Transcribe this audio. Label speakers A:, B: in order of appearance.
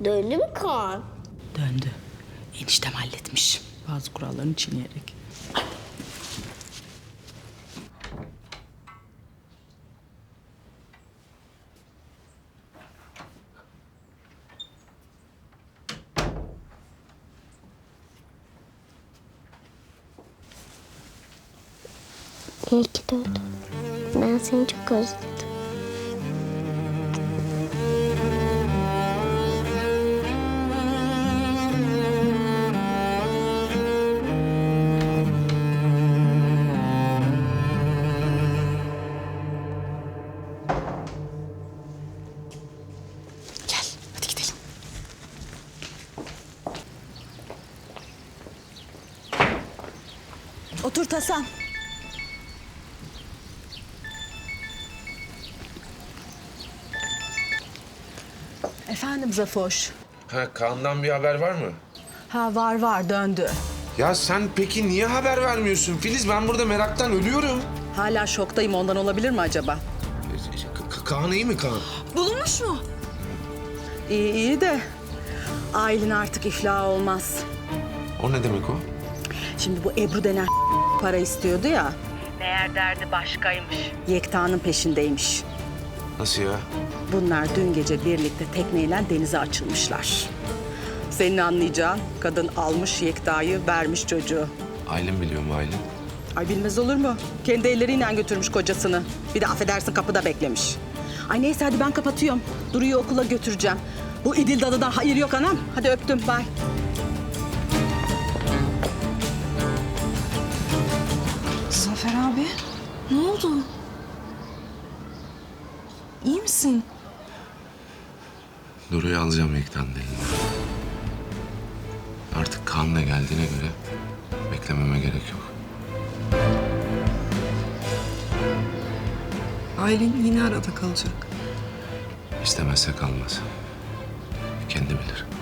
A: Döndü mü Kaan?
B: Döndü. Eniştem halletmiş. Bazı kurallarını çiğneyerek.
A: İyi ki doğdun. Ben seni çok özledim.
B: Gel, hadi gidelim. Otur Hasan. Efendim Zafoş.
C: Ha, Kaan'dan bir haber var mı?
B: Ha var döndü.
C: Ya sen peki niye haber vermiyorsun Filiz? Ben burada meraktan ölüyorum.
B: Hala şoktayım, ondan olabilir mi acaba?
C: Kaan iyi mi Kaan?
B: Bulunmuş mu? İyi de Aylin artık iflah olmaz.
C: O ne demek o?
B: Şimdi bu Ebru denen para istiyordu ya. Meğer derdi başkaymış. Yekta'nın peşindeymiş.
C: Nasıl ya?
B: Bunlar dün gece birlikte tekneyle denize açılmışlar. Senin anlayacağın kadın almış Yekta'yı, vermiş çocuğu.
C: Aylin biliyor mu Aylin?
B: Ay bilmez olur mu? Kendi elleriyle götürmüş kocasını. Bir de affedersin kapıda beklemiş. Ay neyse hadi ben kapatıyorum. Duru'yu okula götüreceğim. Bu İdil Dadı'dan hayır yok anam. Hadi öptüm, bye.
D: Zafer abi, ne oldu? İyi misin?
C: Duru'yu alacağım Yekta'nın elinden. Artık Kaan'la geldiğine göre beklememe gerek yok.
D: Aylin yine arada kalacak.
C: İstemezse kalmaz. Kendi bilir.